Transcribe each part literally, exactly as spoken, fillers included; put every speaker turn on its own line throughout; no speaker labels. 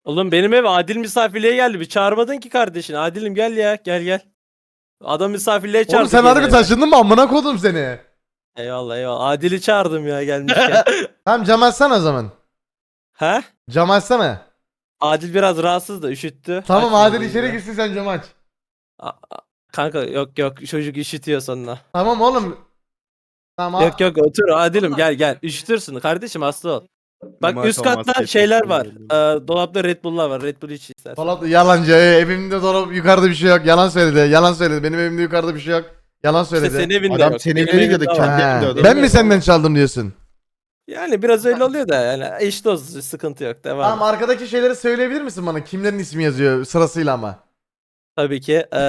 Oğlum benim ev Adil misafirliğe geldi. Bir çağırmadın ki kardeşini. Adil'im gel ya. Gel gel. Adam misafirliğe çağırdı.
Oğlum sen harbi taşındın mı amına kodum seni.
Eyvallah eyvallah. Adil'i çağırdım ya gelmişken.
Tamam cam açsana o zaman.
He?
Cam açsana.
Adil biraz rahatsız da üşüttü.
Tamam
Açmadı
Adil içeri
ya.
girsin sen cam aç.
A- a- Kanka yok yok çocuk üşütüyor sonra.
Tamam oğlum. Tamam.
Yok yok otur Adil'im gel gel. Üşütürsün kardeşim hasta ol. Bak
Numara
üst
olmaz,
katta
kesin.
şeyler var. Ee, dolapta Red Bull'lar var. Red Bull iç istersen.
Dolap yalancı. Ee, evimde dolap yukarıda bir şey yok. Yalan söyledi. Yalan söyledi. Benim evimde yukarıda bir şey yok. Yalan
İşte
söyledi.
senin evinde
Adam
yok.
senin
Benim
evine
evimde
girdi,
var.
kendi
Ha,
evinde adam.
ben mi senden çaldım diyorsun?
Yani biraz öyle oluyor da yani eş dost sıkıntı yok. Devam.
Tamam arkadaki şeyleri söyleyebilir misin bana? Kimlerin ismi yazıyor sırasıyla ama.
Tabii ki. Ee,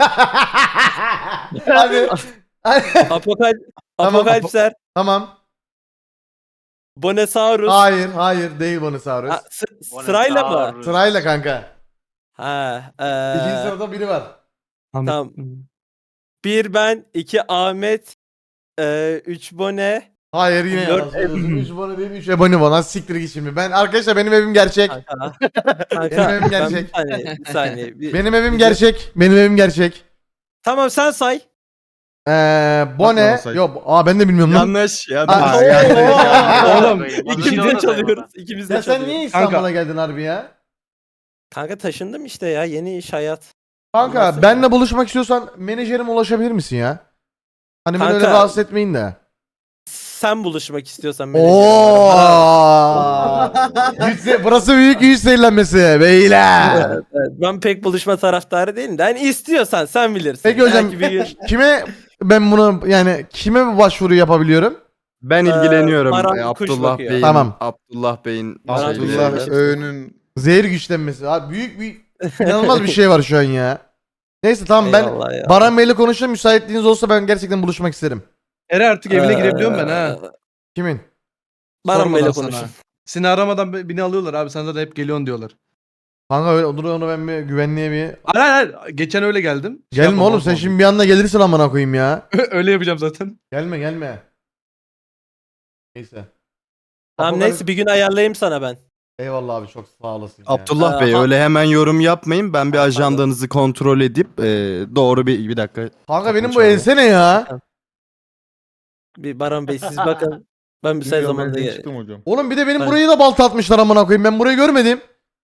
Hadi. Hadi.
Apokal
Tamam.
Apokalipser,
Tamam.
Bonesaurus.
Hayır, hayır değil Bonosaurus.
Ha, sı- sırayla mı?
Sırayla kanka.
Ha,
İkinci
ee,
sırada biri var.
tamam. Bir ben, iki Ahmet, ee, üç Bone.
Hayır yine
Dört
yalan söylüyorsun. üç abone değil üç abone var. Nasıl siktir git şimdi. Ben arkadaşlar benim evim gerçek.
Kanka.
Benim
Kanka.
evim
ben
gerçek.
bir saniye, bir saniye. Bir-
Benim evim
bir-
gerçek. Benim evim gerçek.
Tamam sen say.
Ee, Bone.
Bakma olsaydı.
Yok, aa ben de bilmiyorum lan.
Yanlış. Yanlış.
Aa,
yanlış.
Oğlum ikimiz de çalıyoruz. İkimiz de
Ya sen
çalıyoruz.
niye İstanbul'a geldin harbi ya?
Kanka taşındım işte ya. Yeni iş hayat.
Kanka
Olmazsa
benle buluşmak istiyorsan menajerime ulaşabilir misin ya? Hani beni öyle
Kanka-
rahatsız etmeyin de.
Sen buluşmak istiyorsan menajerim
Oo!
var.
Yüz se- Burası büyük yüz seyirlenmesi beyler.
Evet, evet. Ben pek buluşma taraftarı değilim de. Yani istiyorsan sen bilirsin.
Peki hocam
Belki bir gün,
kime ben bunu yani kime bu başvuru yapabiliyorum?
Ben
Ee,
ilgileniyorum.
Baran
Ee,
kuş
Abdullah
bakıyor.
Bey'in.
Tamam.
Abdullah Bey'in.
Baran
şeyleri.
kuş
Abdullah
bakıyor.
Öğünün
Zehir güçlenmesi. Abi büyük bir inanılmaz bir şey var şu an ya. Neyse tamam ben
Eyvallah ya.
Baran Bey'le konuşayım. Müsaitliğiniz olsa ben gerçekten buluşmak isterim.
Ere artık evine
Ee,
girebiliyorum ben ha.
Kimin?
Baran Bey'le
Sormadan sana.
konuşun.
Seni aramadan be- beni alıyorlar abi, sen zaten hep geliyorsun diyorlar.
Kanka öyle onu, onu ben bir güvenliğe bir...
Hayır hayır hayır. Geçen öyle geldim. Şey
Gelme
yapma,
oğlum
bozma
sen
onu.
şimdi bir anda gelirsin amına koyayım ya.
Öyle yapacağım zaten.
Gelme gelme. Neyse.
Tamam
Apokalip-
neyse bir gün ayarlayayım sana ben.
Eyvallah abi çok sağ olasın ya.
Abdullah
Ee,
Bey
ha-
öyle hemen yorum yapmayın. Ben bir
Ha,
ajandanızı kontrol edip e, doğru bir bir dakika.
Kanka benim bu
Konuşalım.
ense ne ya?
Bir Baran Bey siz bakın. Ben müsait zamanda gel.
çıktım hocam.
Oğlum bir de benim
Aynen.
burayı da balta atmışlar amına koyayım. Ben burayı görmedim.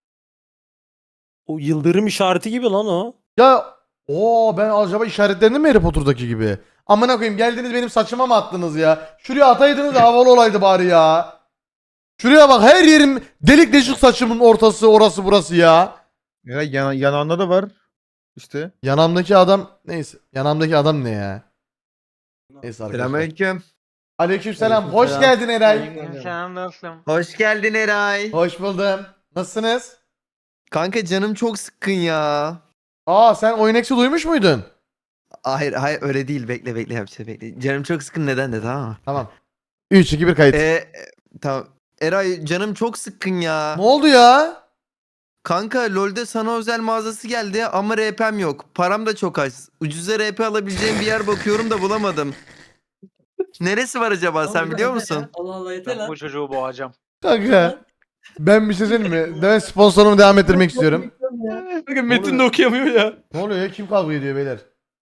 O yıldırım işareti gibi lan o.
Ya o ben acaba işaretlendim mi Harry Potter'daki gibi? Amına koyayım geldiniz benim saçıma mı attınız ya? Şuraya ataydınız da havalı olaydı bari ya. Şuraya bak her yerim delik deşik saçımın ortası orası burası ya.
Ya yan, yanağında da var. İşte.
Yanamdaki adam neyse. Yanamdaki adam ne ya? Neyse arkadaşlar.
Selamünaleyküm.
Aleykümselam. Hoş
Aleykümselam.
geldin Eray.
Selam dostum.
Hoş geldin Eray.
Hoş buldum. Nasılsınız?
Kanka canım çok sıkkın ya.
Aa sen Oyunex'i duymuş muydun?
Hayır hayır öyle değil, bekle bekle yapacağım bekle. Canım çok sıkkın, neden de, tamam mı?
Tamam. üç iki bir kayıt.
Ee, e, tamam. Eray canım çok sıkkın ya.
Ne oldu ya?
Kanka LoL'de sana özel mağazası geldi ama R P'm yok. Param da çok az. Ucuza R P alabileceğim bir yer bakıyorum da bulamadım. Neresi var acaba, sen biliyor musun?
Allah Allah yeter lan. Bu çocuğu boğacağım.
Kanka. Ben bir şey söyleyeyim mi? Ben sponsorumu devam ettirmek istiyorum.
Kanka Metin de okuyamıyor ya.
Ne oluyor ya? Kim kavga ediyor beyler?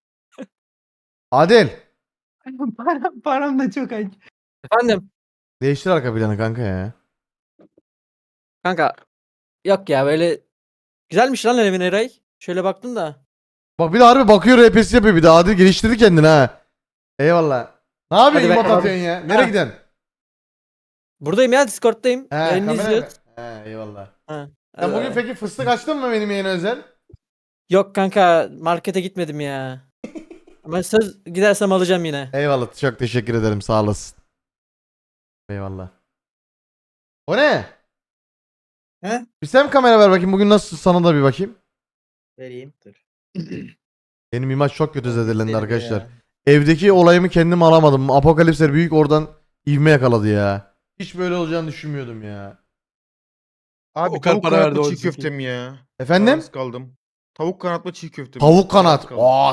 Adil.
param, param da çok az.
Efendim
Değiştir arka planı kanka ya.
kanka yok ya böyle güzelmiş lan evin Eray. Şöyle baktım da.
Bak bir de harbi bakıyor R P'si yapıyor bir de. Adil geliştirdi kendini ha. Eyvallah. Ne yapıyorsun
Hadi
imot
be.
atıyorsun ya? Nereye
Ha.
gidiyorsun?
Buradayım ya, Discord'dayım.
He
Yayını
kamera mı?
izliyoruz.
He eyvallah.
Ha.
Sen
Ee,
bugün peki fıstık açtın mı benim yayına özel?
Yok kanka, markete gitmedim ya. Ama söz gidersem alacağım yine.
Eyvallah çok teşekkür ederim sağ olasın. Eyvallah. O ne?
He?
Bir sen kamera ver bakayım bugün nasıl sana da bir bakayım.
Vereyim dur.
Benim imaj çok kötü zedelendi arkadaşlar. Evdeki olayımı kendim alamadım. Apokalipsler büyük oradan ivme yakaladı ya. Hiç böyle olacağını düşünmüyordum ya.
Abi
O kadar
tavuk
para verdi
kanatlı
o
çiğ
zeki.
köfte mi ya?
Efendim?
Kararsız kaldım. Tavuk kanatlı çiğ köfte mi?
Tavuk kanat.
Kararsız kaldım.
Aa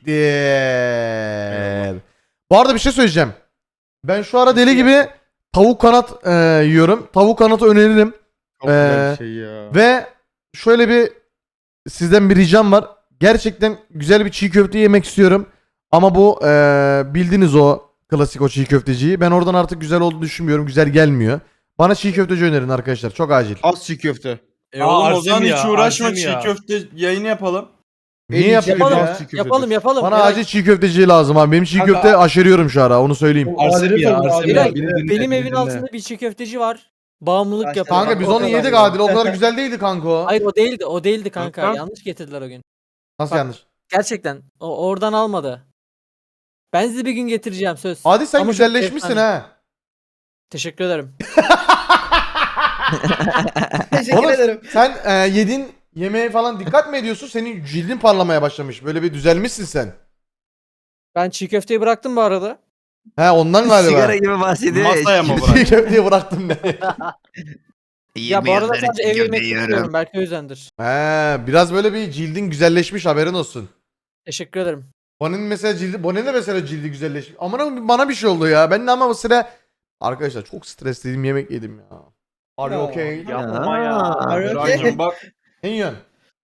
siktir. Bu arada bir şey söyleyeceğim. Ben şu ara deli gibi tavuk kanat e, yiyorum. Tavuk kanatı öneririm.
Çok güzel
Ee,
bir şey ya.
Ve şöyle bir sizden bir ricam var. Gerçekten güzel bir çiğ köfte yemek istiyorum. Ama bu eee bildiğiniz o klasik o çiğ köfteciyi. Ben oradan artık güzel olduğunu düşünmüyorum. Güzel gelmiyor. Bana çiğ köfteci önerin arkadaşlar. Çok acil.
Az çiğ köfte.
E
Aa,
oğlum o
Arsene
zaman
ya,
hiç uğraşma,
Arsene
çiğ
ya.
köfte yayını yapalım.
Niye
En iyi
yapayım
yapalım.
ya?
Az çiğ köftedir.
Yapalım yapalım.
Bana
Eray,
acil çiğ köfteci lazım abi. Benim çiğ
Kanka-
köfte aşeriyorum şu ara. Onu söyleyeyim.
Arsene ya, Arsene ya.
Eray,
Beni dinle,
benim
beni
evin
dinle.
altında bir çiğ köfteci var. Bağımlılık yapıyor.
Kanka biz
O
onu
kadar
yedik
ya.
Adil. O kadar güzel değildi kanka o.
Hayır o değildi. O değildi kanka.
Kanka.
Yanlış getirdiler o gün.
Nasıl
Bak-
yanlış?
Gerçekten. O oradan almadı. Ben size bir gün getireceğim söz.
Adil sen
Ama çok
güzelleşmişsin
efsane.
ha.
Teşekkür ederim.
Oğlum, sen e, yedin yemeğe falan dikkat mi ediyorsun? Senin cildin parlamaya başlamış. Böyle bir düzelmişsin sen.
Ben çiğ köfteyi bıraktım bu arada.
He ondan galiba.
Sigara gibi bahsediyor ya.
Masaya mı
Çiğ
bırak?
köfteyi bıraktım ne?
Ya bu arada sadece ev yemek yapıyorum. Belki o yüzdendir.
He biraz böyle bir cildin güzelleşmiş haberin olsun.
Teşekkür ederim.
Bonen'in mesela cildi, Bonen'in de mesela cildi güzelleşmiş. Aman bana bir şey oldu ya. Ben de ama bu sıra arkadaşlar çok stresliydim yemek yedim ya. Are you okay?
Yapma ya.
Burak'cığım bak.
Ne yiyorsun?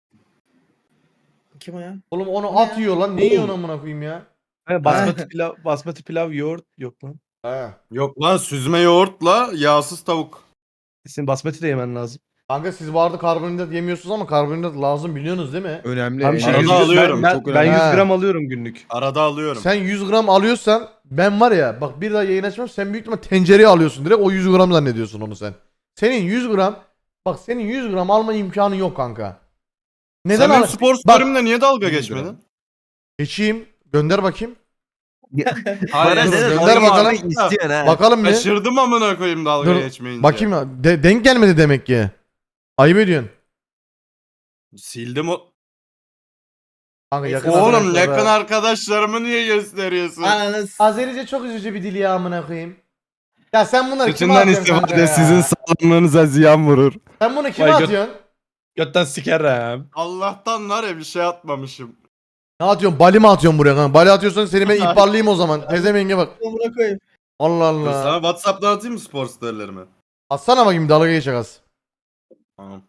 Kim o ya?
Oğlum onu at yiyor lan. Ne yiyorsun amına koyayım ya?
He, basmati pilav, basmati pilav yoğurt yok lan.
He.
Yok lan, süzme yoğurtla yağsız tavuk.
Senin basmati de yemen lazım.
Kanka siz bu arada karbonhidrat yemiyorsunuz ama karbonhidrat lazım biliyorsunuz değil mi?
Önemli.
Tam şey
Arada
yüz,
alıyorum,
Ben,
çok
ben,
önemli.
ben yüz
Ha.
gram alıyorum günlük.
Arada alıyorum.
Sen yüz gram alıyorsan ben var ya bak bir daha yayın açmam sen büyük ihtimal tencereye alıyorsun direkt o yüz gram zannediyorsun onu sen. Senin yüz gram bak senin yüz gram alma imkanı yok kanka. Neden
Sen benim
al?
spor story'imle niye dalga geçmedin?
Geçeyim gönder bakayım.
Hayır,
Bana
gönder
gönder
bakalım.
bakalım. İstiyorsun ha.
Bakalım bir.
Şaşırdım amına koyayım dalga
Dur,
geçmeyince.
Bakayım ya. De- denk gelmedi demek ki. Ayıp ediyorsun.
Sildim o.
Kanka yakın
Oğlum
arkadaşlara-
yakın arkadaşlarımı niye gösteriyorsun?
Azerice çok üzücü bir dil ya amına koyayım. Ya sen bunları kime
Bütünden
atıyorsun kanka
istifade
ya?
sizin sağlığınıza ziyan vurur.
Sen bunu kime
Vay gö-
atıyorsun?
Götten sikerem.
Allah'tan var ya bir şey atmamışım.
Ne atıyorsun? Bali mi atıyorsun buraya kanka? Bali atıyorsan seni ben ihbarlayayım o zaman. Tezemenge bak. Allah
Dur,
Allah.
sana WhatsApp'tan atayım mı spor storylerimi?
Atsana bakayım dalga geçecek az.
Tamam.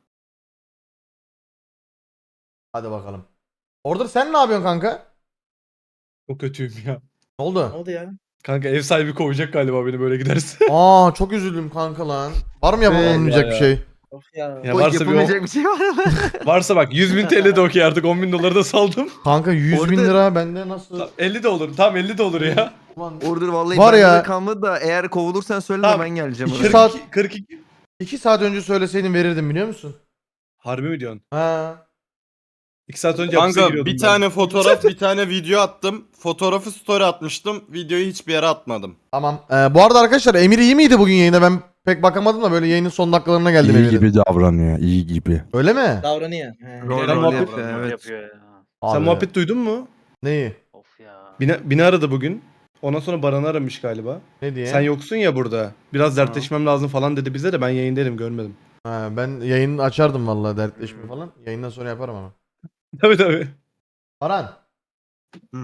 Hadi bakalım. Order sen ne yapıyorsun kanka?
Çok kötüyüm ya.
Ne oldu?
oldu ya?
Kanka ev sahibi kovacak galiba beni böyle giderse.
Aa çok üzüldüm kanka lan. Var mı yapamayacak
ya
bir
ya.
şey?
Of ya.
Ya
O
varsa bir,
yapamayacak bir şey var mı?
on- varsa bak yüz bin T L de okey artık on bin doları da saldım.
Kanka yüz bin
Order-
lira bende nasıl?
Tamam, elli de olur. Tamam elli de olur ya.
Ulan
Order vallahi
Var
bende
ya.
de kalmadı da eğer kovulursan söyle de
Tamam.
ben geleceğim.
İki
oraya.
saat-
kırk iki, kırk iki.
iki saat önce söyleseydin verirdim biliyor musun?
Harbi mi diyorsun?
Ha.
iki saat önce hapise
Kanka
giriyordum
bir
ben.
tane fotoğraf bir tane video attım. Fotoğrafı story atmıştım. Videoyu hiçbir yere atmadım.
Tamam. Ee, bu arada arkadaşlar Emir iyi miydi bugün yayında? Ben pek bakamadım da böyle yayının son dakikalarına geldim
İyi
Emir'in.
gibi davranıyor, iyi gibi.
Öyle mi?
Davranıyor.
Rol
Sen
rol
muhabbet-
yapıyor.
Evet.
Yapıyor ya.
Sen
Abi,
muhabbet duydun mu?
Neyi?
Of ya.
Bini, bini aradı bugün. Ondan sonra Baran'ı aramış galiba.
Ne diye?
Sen yoksun ya burada. Biraz dertleşmem lazım falan dedi bize de ben yayındaydım görmedim.
Ha, ben yayını açardım vallahi dertleşme falan. Yayından sonra yaparım ama.
Tabii tabii.
Baran.
Hı.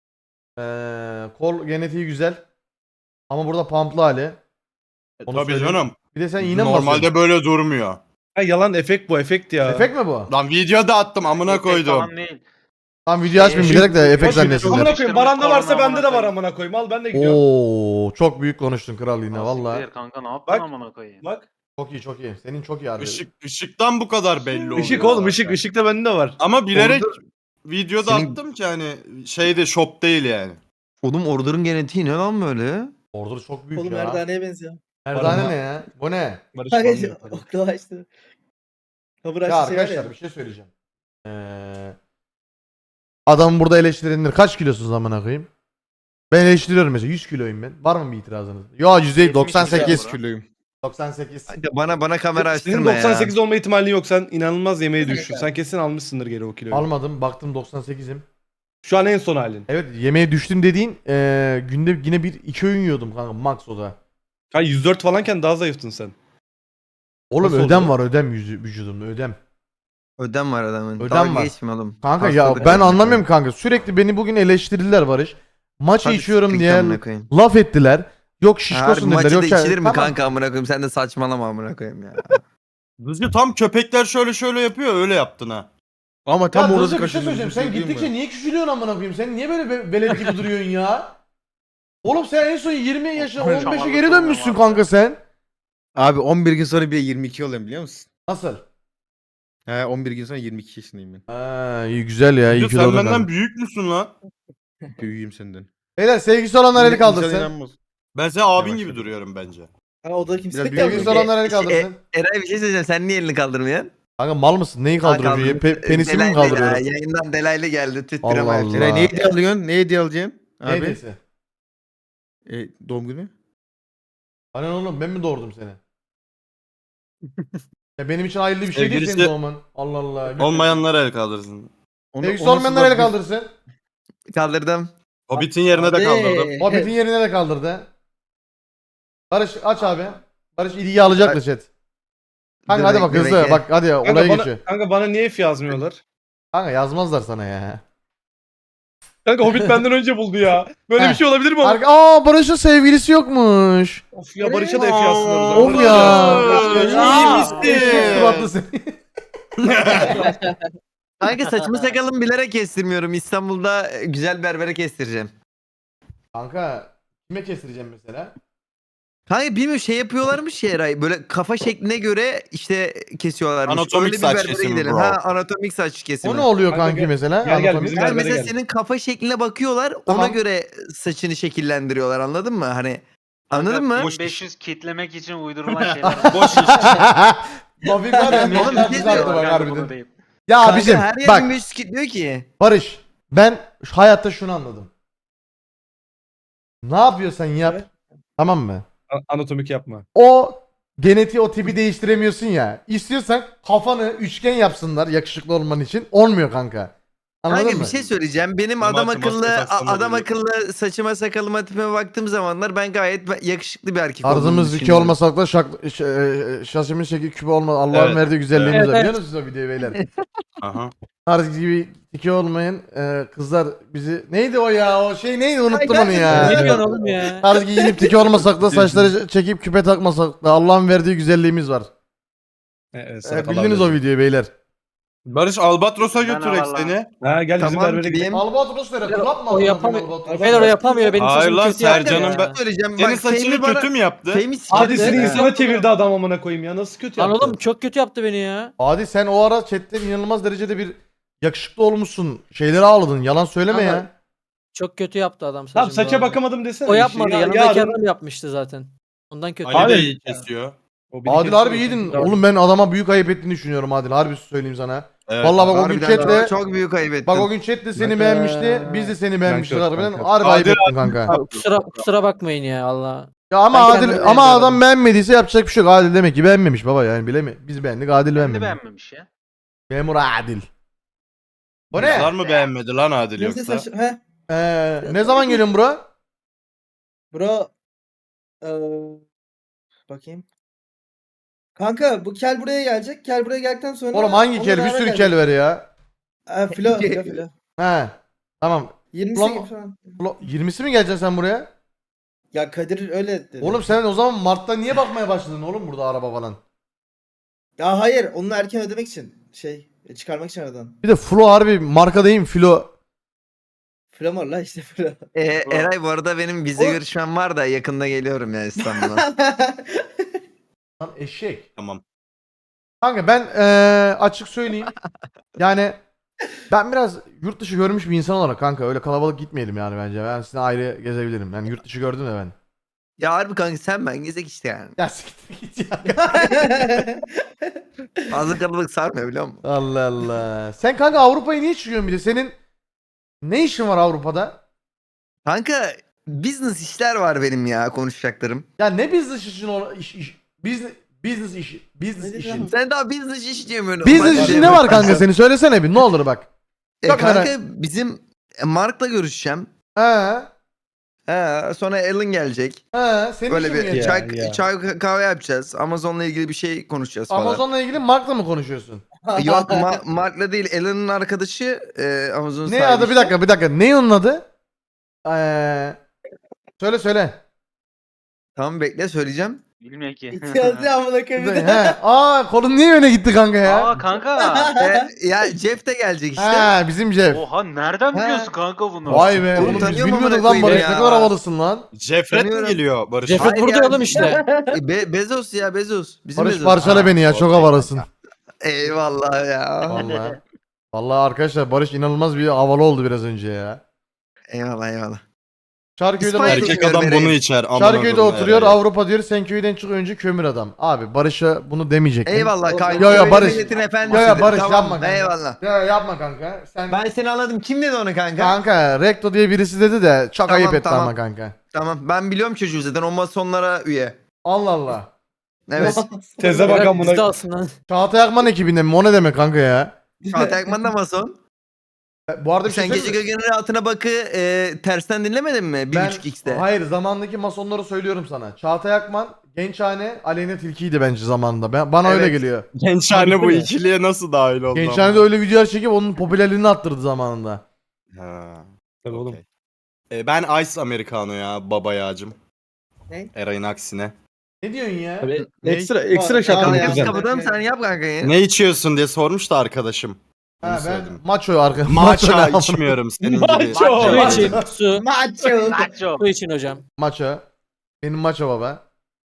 Ee, kol genetiği güzel. Ama burada pumplı hali.
E,
Onu
Tabii
söyleyeyim.
canım.
Bir de sen iğne mi
Normalde
basıyorsun?
böyle durmuyor.
Ha, yalan efekt bu efekt ya.
Efekt mi bu?
Lan video da attım amına
Efekt
koydum.
falan değil.
Tam video açmayayım
Ee,
bilerek de efekt
Amına
zannetsinler.
koyayım Baran'da varsa
Korna
bende de var
amına
amına koyayım. Al ben de gidiyorum.
Oo, çok büyük konuştun kral yine valla.
Siktir kanka ne yaptın
Bak.
amına koyayım.
Bak.
Çok iyi çok iyi. Senin çok iyi harbi.
Işık, ışıktan bu kadar belli oluyor.
Işık oğlum
zaten.
ışık. Işık da bende de var.
Ama bilerek videoda
Senin-
attım ki hani şeyde shop değil yani.
Oğlum Order'ın genetiği ne lan böyle?
Order çok büyük
Oğlum
ya.
merdaneye benziyor.
Merdane
Var
ne ya? Bu ne?
Barış
Kanka
falan
işte
yapalım.
okula açtı. Kabur
Ya
açtı şey var
arkadaşlar
ya.
bir şey söyleyeceğim. Ee, adam burada eleştirilenir. Kaç kilosunuz amına koyayım? Ben eleştiriyorum mesela yüz kiloyum ben. Var mı bir itirazınız? Yo yüz değil doksan sekiz.
ya.
kiloyum.
doksan sekiz.
Kanka bana bana kamera
Senin
açtırma
doksan sekiz
ya.
olma ihtimalin yok. Sen inanılmaz yemeğe düştün. Sen kesin almışsındır geri o kiloyu.
Almadım baktım doksan sekizim.
Şu an en son halin.
Evet yemeğe düştüm dediğin ee, günde yine bir iki öğün yiyordum kanka max o da.
Ha yüz dört falanken daha zayıftın sen.
Oğlum
Nasıl
ödem
oldu?
var ödem yüzü, vücudumda ödem.
Ödem var adamın.
Ödem
Dalga
var.
geçme oğlum.
Kanka ya
Hastalık.
ben anlamıyorum kanka. Sürekli beni bugün eleştirdiler Barış. Maçı
Hadi
içiyorum
siktir
diye
amına koyayım.
laf ettiler. Yok
Harbi
şişkosun dediler.
maçı
Yok
da
şey-
içilir mi
Tamam.
kanka amına koyayım? Sen de saçmalama amına koyayım ya.
Dızcı tam köpekler şöyle şöyle yapıyor öyle yaptın ha.
Ama tam
Ya
orası
Dızcı bir şey
kaçırdı.
söyleyeceğim. Sen gittikçe niye küçülüyorsun amına koyayım? Sen niye böyle be- velet gibi duruyorsun ya? Oğlum sen en son yirmi yaşına on beşe
Şamarlık
geri dönmüşsün
olmam
kanka sen.
Abi on bir gün sonra bir de yirmi iki oluyorum biliyor musun?
Nasıl?
He on bir gün sonra yirmi iki yaşındayım ben.
Ha, iyi güzel ya. iyi
Dızcı
ki
sen
doğdun
benden
kanka.
büyük müsün lan?
Büyüğüm senden.
Beyler sevgisi olanlar eli
İnsan
kaldırsın.
inanmaz.
Ben senin abin
Yavaş
gibi
yavaş.
duruyorum bence.
Ha, o da kimse
Biraz
kalmıyor.
Sevgisi olanlar eli
E,
kaldırsın.
Eray bir şey söyleyeceğim. Sen niye elini kaldırmıyorsun?
Kanka mal mısın? Neyi kaldırıyorsun?
Ha,
Pe- penisimi mi
Delaylı ya,
kaldırıyorum?
Yayından delaylı geldi.
Allah
Tüttüreme
Allah.
Eray ne hediye alıyorsun? Ne hediye alacaksın?
Ne
Abi.
hediyesi?
E, doğum günü?
Hani oğlum ben mi doğurdum seni? Ya benim için hayırlı bir şey değil
Sevgilisi-
senin doğman. Allah Allah.
Olmayanlara el kaldırsın.
Onu-
Sevgisi
onu
olmayanlar
nasıl
eli
bak-
kaldırsın.
Kaldırdım.
Hobbit'in yerine de
Abi.
kaldırdım.
Hobbit'in yerine de kaldırdı. Barış aç abi. Barış ilgiyi alacak da chat. Kanka hadi bak
Demek-
hızlı.
demek ki-
Bak hadi
Kanka
olaya
bana,
geçiyor.
kanka bana niye F yazmıyorlar?
Kanka yazmazlar sana ya.
Kanka Hobbit benden önce buldu ya. Böyle
Heh.
bir şey olabilir mi?
Arka Aa Barış'ın sevgilisi yokmuş.
Of ya Barış'a da F yazsınlar o zaman.
Of ya.
Barış,
Aa,
iyi misin?
eşek suratlı seni.
Kanka saçımı sakalımı bilerek kestirmiyorum. İstanbul'da e, güzel berbere kestireceğim.
Kanka kime kestireceğim mesela?
Kanka bilmiyorum şey yapıyorlarmış ya Eray. Böyle kafa şekline göre işte kesiyorlarmış.
Anatomik
Öyle bir
saç
berbere
kesimi
gidelim.
bro.
Ha anatomik saç kesimi.
O ne oluyor
Kanka
kanki
gel-
mesela?
gel gel,
Anatomik.
bizim
Yani
berbere
mesela
gel.
senin kafa şekline bakıyorlar.
Tamam.
Ona göre saçını şekillendiriyorlar. Anladın mı? Hani anladın mı?
boş-
beş yüz kitlemek için uydurulan şeyler.
Boş iş.
Mafik var ya.
Oğlum,
Oğlum
bir şey
bak
Bunu
harbiden.
deyip.
Ya
Kanka
abicim
her yer
bak
bin beş yüz kilitliyor ki.
Barış ben şu hayatta şunu anladım. Ne yapıyorsan yap. Tamam mı?
A- Anatomik yapma.
O genetiği o tipi değiştiremiyorsun ya. İstiyorsan kafanı üçgen yapsınlar yakışıklı olman için. Olmuyor kanka. Anladın
Kanka
mı?
bir şey söyleyeceğim. Benim
Normal
adam
maske
akıllı
taksanlar
a- adam
oluyor.
akıllı saçıma sakalıma tipime baktığım zamanlar ben gayet be- yakışıklı bir erkek olduğumu
Tarzımız iki
düşünüyorum.
olmasak da şak, ş- e, şaşımız şekil küpe olmaz. Allah'ın
Evet.
verdiği güzelliğimiz
Evet,
var.
evet.
Biliyor musunuz o videoyu beyler?
Aha.
Tarz gibi iki olmayan e, kızlar bizi... Neydi o ya? O şey neydi? Unuttum
Ay,
onu ya.
Ne diyorsun oğlum ya?
Tarz giyinip tiki olmasak da saçları çekip küpe takmasak da Allah'ın verdiği güzelliğimiz var.
E, e,
E,
salak
bildiniz
Allah
o videoyu beyler.
Barış Albatros'a
Ben
götürek
Allah.
seni.
Ha gel bizim
Tamam
berbere gidelim.
gideyim.
Albatros nere? Kulak mı?
O
amına koyayım
yapamıyor.
Albatros?
Beyler o yapamıyor. Benim
Hayır
saçımı
lan,
kötü yaptı
Sercan'ın
ya.
ben-
Söyleyeceğim
Senin
bak
saçını
Fehmi bana...
kötü mü yaptı?
Fehmi
Hadi
siktirdi.
seni
Ha.
insana çevirdi adam amına koyayım ya. Nasıl kötü
Lan
yaptı?
oğlum çok kötü yaptı beni ya.
Adi sen o ara chatte inanılmaz derecede bir yakışıklı olmuşsun. Şeyleri ağladın. Yalan söyleme
Ama-
ya.
Çok kötü yaptı adam saçımı.
Tamam saça
bu arada.
bakamadım desene.
O
bir şey.
yapmadı.
Ya-
Yanındaki
yarın-
adam yapmıştı zaten. Ondan kötü.
Ali
Abi-
de iyi kesiyor.
O bir
Adil
kez
harbi
sonra-
iyiydin.
Tamam.
Oğlum ben adama büyük ayıp ettiğini düşünüyorum Adil. Harbi söyleyeyim sana.
Evet.
Vallahi bak o gün
Harbiden
chatle
çok, çok büyük ayıp ettim.
bak o gün chatte seni
Ben-
beğenmişti. Biz de seni beğenmiştik
kör,
harbiden.
ben kör.
Harbi ayıp
Adil
ettin kanka.
Abi kusura, kusura bakmayın ya Allah.
Ya ama
Ben
Adil
kendimi
ama
beğenmiyorum.
adam beğenmediyse yapacak bir şey yok. Adil demek ki beğenmemiş baba yani bilemi. Biz beğendik Adil
Kendi
beğenmemiş.
beğenmemiş ya.
Memur Adil. O ne?
Kızlar mı beğenmedi lan Adil
Neyse
yoksa?
saç... He.
Ee, ne zaman geliyorsun bro?
Bro. Eee, bakayım. Kanka bu kel buraya gelecek. Kel buraya geldikten sonra...
Oğlum hangi
onunla
kel? Bir
beraber
sürü
gelecek.
kel ver ya.
Ha, filo, filo, filo.
He. Tamam.
yirmisi
Ulan-
gibi falan.
Ulan yirmisi mi geleceksin sen buraya?
Ya Kadir öyle dedi.
Oğlum sen o zaman Mart'ta niye bakmaya başladın oğlum burada araba falan?
Ya hayır, onu erken ödemek için. Şey, çıkarmak için aradan.
Bir de Flo harbi marka değil mi Flo?
Flamor la işte filo.
Ee, Eray bu arada benim vize
O-
görüşmem var da yakında geliyorum ya İstanbul'a.
Lan eşek.
Tamam.
Kanka ben eee, açık söyleyeyim. Yani ben biraz yurt dışı görmüş bir insan olarak kanka öyle kalabalık gitmeyelim yani bence. Ben sizinle ayrı gezebilirim. Yani yurt dışı gördüm de ben.
Ya harbi kanka sen ben gezek işte yani.
Ya siktir git ya.
Fazla kalabalık sarmıyor biliyor musun?
Allah Allah. Sen kanka Avrupa'ya niye çıkıyorsun bir de? Senin ne işin var Avrupa'da?
Kanka business işler var benim ya konuşacaklarım.
Ya ne business işin o iş, iş business business işi business
Ne
işin.
diyeceğim?
Sen daha business iş diyemiyorsun.
Business
Bak-
işin ne var kanka senin? Söylesene bir ne olur bak.
E,
Çok
kanka
merak-
bizim e, Mark'la görüşeceğim.
He.
He, sonra Alan gelecek.
He. Senin
Böyle
işin mi
bir
yani?
çay,
ya.
çay kahve yapacağız. Amazon'la ilgili bir şey konuşacağız falan.
Amazon'la ilgili Mark'la mı konuşuyorsun?
Yok Ma- Mark'la değil Alan'ın arkadaşı e, Amazon'un
Ne
sahibi
adı bir
işte.
dakika bir dakika. Ne onun adı? Ee, söyle söyle.
Tamam bekle söyleyeceğim.
Bilmiyorum ki.
İhtiyacı amına koyayım.
He. Aa kolun niye öne gitti kanka ya?
Aa kanka.
E, ya Jeff de gelecek işte.
He bizim Jeff.
Oha nereden
Ha.
biliyorsun kanka bunu?
Vay be.
Oğlum
Oğlum biz
tanıyorum
bilmiyorduk
amına
lan Barış.
koyayım
Ne
ya.
kadar havalısın lan.
Jeffret mi
Tanıyorum.
geliyor Barış?
Jeffret
Hayır
burada
ya.
oğlum işte.
E, Be- Bezos ya Bezos. Bizim
Barış
Bezos.
parçala beni ya. Çok
okey.
havalısın.
Eyvallah ya.
Vallahi. Vallahi arkadaşlar Barış inanılmaz bir havalı oldu biraz önce ya.
Eyvallah eyvallah.
Şarköy'de
İspanya-
bak-
Erkek adam bunu içer. amına
Şarköy'de
koyayım
oturuyor
Eray.
Avrupa diyor sen köyden çık önce kömür adam. Abi Barış'a bunu demeyecektin.
Eyvallah kanka.
Yo, yo,
Öyle
Barış.
milletin
Yo,
efendisidir.
yo, Barış,
Tamam,
yapma kanka.
Eyvallah.
Ya yapma kanka. Sen
Ben seni anladım. Kim dedi onu kanka?
kanka Rekto diye birisi dedi de çok
Tamam,
ayıp etti
tamam.
ama kanka.
Tamam ben biliyorum çocuğu zaten o masonlara üye.
Allah Allah.
Evet.
Teze bak
Bırak bizi de
amına.
alsın lan.
Çağatay Akman ekibinden mi? O ne demek kanka ya?
Çağatay Akman da mason.
Bu arada bir şey
Sen gece
söyleyeyim mi?
Gökhan'ın altına bakı e, tersten dinlemedin mi? bir
Ben-
buçuk x'te.
Hayır zamandaki masonları söylüyorum sana. Çağatay Akman, Gençhane, Aleyna Tilki'ydi bence zamanında. Ben, bana öyle
Evet.
geliyor.
Gençhane bu ikiliye nasıl dahil oldu?
Gençhane'de öyle videolar çekip onun popülerliğini arttırdı zamanında.
Ha.
Tabii oğlum.
okey. E, ben Ice Americano ya baba yağcım.
Ne?
Eray'ın aksine.
Ne diyorsun ya?
Tabii ekstra ekstra şaka
Tamam
mı
ya.
Kanka biz
kuzen?
kapatalım sen yap kanka ya.
Ne içiyorsun diye sormuş da arkadaşım. Bunu
Ha, ben
söyledim.
maço arka.
Matcha
ne?
içmiyorum senin gibi.
Macho.
Su
Macho.
için su.
Macho.
Nacho.
Şey,
Su için hocam.
Maço. Benim maço baba.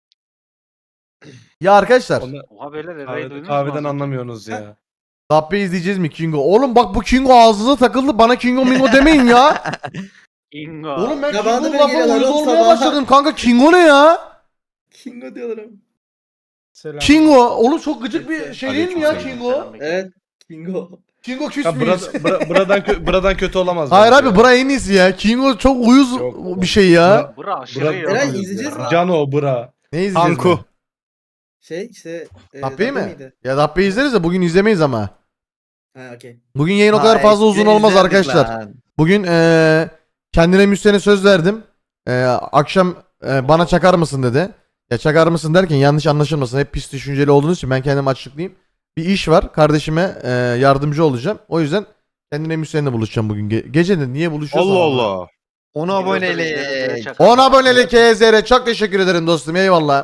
Ya arkadaşlar.
Onu
Oha beyler Eray'ı
kahveden,
duydunuz mu?
kahveden
az önce?
anlamıyorsunuz ya.
Dabbe izleyeceğiz mi Kingo? Oğlum bak bu Kingo ağzına takıldı. Bana Kingo Mingo demeyin ya.
Kingo.
Oğlum ben
Ya bana da
Kingo
böyle
lafı
geliyorlar
uyuz
oğlum
olmaya
sabah.
başladım. Kanka Kingo ne ya?
Kingo diyorlar.
Kingo. Oğlum çok gıcık bir şey değil mi ya
Aleykümselam.
Kingo?
Evet. Kingo.
Kingo küs
Ya
müyüz?
bura, bura, buradan, kö- buradan kötü olamaz.
Hayır
bence
abi
ya.
bura en iyisi ya. Kingo çok uyuz
Yok.
bir şey ya.
Bura aşırı
Bura-
iyi.
Eray,
oğlum.
izleyeceğiz mi?
Cano bura.
Ne izleyeceğiz?
Anku.
mi?
Şey işte. E,
Dabbe'yi
Dabbe
mi?
miydi?
Ya Dabbe'yi izleriz de bugün izlemeyiz ama.
Ha okey.
Bugün yayın o kadar
Ha,
fazla uzun
eskiden
olmaz
izlerdik
arkadaşlar.
lan.
Bugün eee kendine müstene söz verdim. Eee, akşam eee, bana çakar mısın dedi. Ya çakar mısın derken yanlış anlaşılmasın. Hep pis düşünceli olduğunuz için ben kendim açıklayayım. Bir iş var. Kardeşime eee, yardımcı olacağım. O yüzden kendine müstenle buluşacağım bugün. Ge- gece de niye buluşuyoruz?
Allah Allah.
Onu abonelik.
on abonelik K Z R. Çok teşekkür ederim dostum. Eyvallah.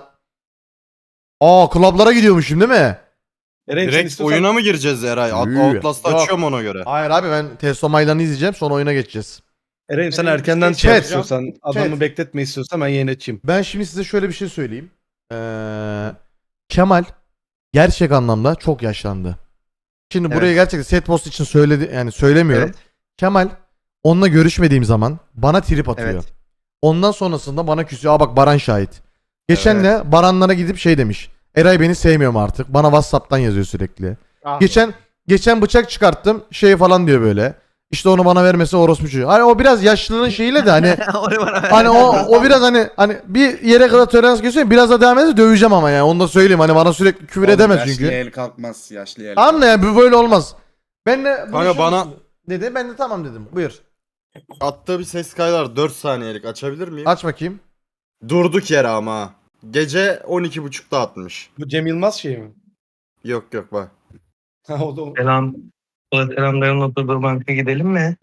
Aa klublara gidiyormuşum değil mi?
Eren, sen
Direkt
istiyorsan-
oyuna mı gireceğiz Eray? At-
Yürü.
Outlast'ı
Yok.
açıyorum ona göre.
Hayır abi ben Testo Maydan'ı izleyeceğim. Sonra oyuna geçeceğiz.
Eren sen
Eren,
erkenden
bir şey
şey
Chat.
istiyorsan, adamı
Chat.
bekletme istiyorsan ben yayın açayım.
Ben şimdi size şöyle bir şey söyleyeyim. Ee, Kemal gerçek anlamda çok yaşlandı. Şimdi
Evet.
buraya gerçekten set post için söyledi yani söylemiyorum.
Evet.
Kemal onunla görüşmediğim zaman bana trip atıyor.
Evet.
Ondan sonrasında bana küsüyor. Aa bak Baran şahit. Geçen de Baranlara gidip şey demiş. Eray beni sevmiyorum artık. Bana WhatsApp'tan yazıyor sürekli. Geçen geçen bıçak çıkarttım. Şey falan diyor böyle. İşte onu bana vermesi orospu çocuğu. Hani o biraz yaşlılığın şeyiyle de hani
Onu bana ver.
hani o o biraz hani hani bir yere kadar tolerans gösteriyor. Biraz da devam ederse döveceğim ama yani. Onu da söyleyeyim. Hani bana sürekli küfür edemez çünkü.
Yaşlı el kalkmaz. Yaşlı el
Anla yani bu böyle olmaz. Ben de
Kanka bana-
dedi. Ben de tamam dedim. Buyur.
Attığı bir ses kaydı var dört saniyelik. Açabilir miyim?
Aç bakayım.
Durduk yere ama. ha. Gece on iki buçukta atmış.
Bu Cem Yılmaz şey mi?
Yok yok bak.
Ha, o da o.
Selam. Selam dayının oturduğu banka gidelim mi?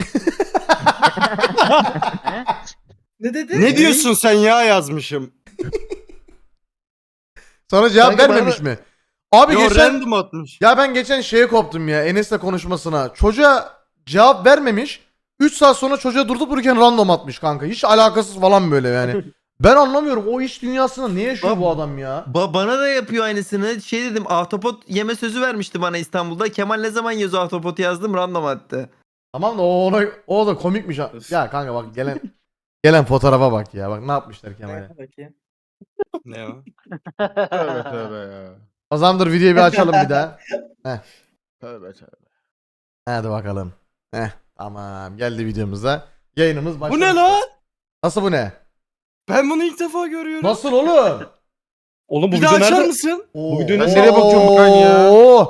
Ne dedi?
Ne diyorsun sen ya yazmışım.
Sana cevap
Kanka
vermemiş mi? Abi
Yo
geçen
random atmış.
ya ben geçen şeye koptum ya Enes'le konuşmasına. Çocuğa cevap vermemiş. üç saat sonra çocuğa durup dururken random atmış kanka. Hiç alakasız falan böyle yani. Ben anlamıyorum o iş dünyasında ne yaşıyor bu adam ya?
Ba- bana da yapıyor aynısını. Şey dedim ahtapot yeme sözü vermişti bana İstanbul'da. Kemal ne zaman yazıyor ahtapot yazdım random attı.
Tamam da o ona o da komikmiş. ha. Ya kanka bak gelen gelen fotoğrafa bak ya. Bak ne yapmışlar Kemal'e.
Bakayım.
Ne o?
Tövbe tövbe ya.
O zaman dur videoyu bir açalım bir daha.
Tövbe tövbe.
Hadi bakalım. Heh tamam geldi videomuza. Yayınımız başladı.
Bu ne lan?
Nasıl bu ne?
Ben bunu ilk defa görüyorum.
Nasıl oğlum?
Oğlum bu
Bir daha
video
açar
nerede?
mısın?
Bu
videoyu nereye bakıyorum ben ya?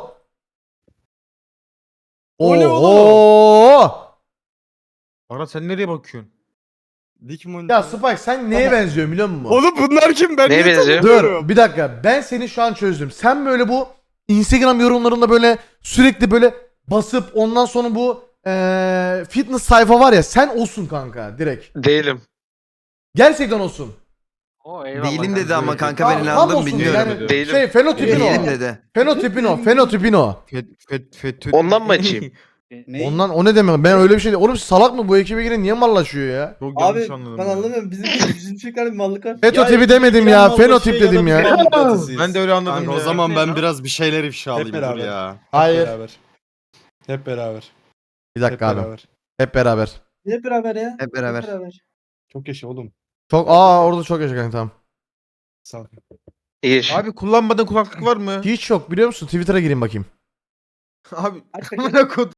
O ne
oğlum?
Ara sen nereye bakıyorsun?
Dik monitör.
Ya Spike sen neye benziyorsun biliyor musun?
Oğlum bunlar kim? Ben
Neye
niye
benziyor?
tanımıyorum?
Dur bir dakika ben seni şu an çözdüm. Sen böyle bu Instagram yorumlarında böyle sürekli böyle basıp ondan sonra bu eee, fitness sayfa var ya sen olsun kanka direkt.
Değilim.
Gerçekten olsun.
O eyvallah.
Değilim dedi
kanka.
ama kanka ben
Tam- tam
inandım
olsun
bilmiyorum.
yani
Değilim.
Şey fenotipin
Değilim
o.
dedi.
Fenotipin o. Fenotipin o.
Fet, fet, fet,
Ondan mı açayım?
Ne?
Ondan o ne demek? Ben öyle bir şey değil. Oğlum salak mı bu ekibe giren niye mallaşıyor ya?
Çok
Abi
yanlış anladım.
ben
ya.
anlamıyorum. Bizim bizim çocuklarda bir mallık var.
Fetotipi demedim ya. Fenotip dedim ya.
Ben de öyle anladım
Kanka
ya.
o zaman
Ne
ben
lan?
biraz bir şeyler ifşa alayım dur
beraber.
ya.
Hayır.
Beraber. Hep beraber.
Bir
Hep
dakika abi.
beraber.
Hep beraber.
Hep beraber ya.
Hep beraber.
Çok yaşa oğlum.
Çok aa orada çok yaşa kanka tamam.
Sağ ol.
Bir.
Abi kullanmadığın kulaklık var mı?
Hiç yok biliyor musun? Twitter'a gireyim bakayım.
Abi
Aç bakayım.
amına kodum.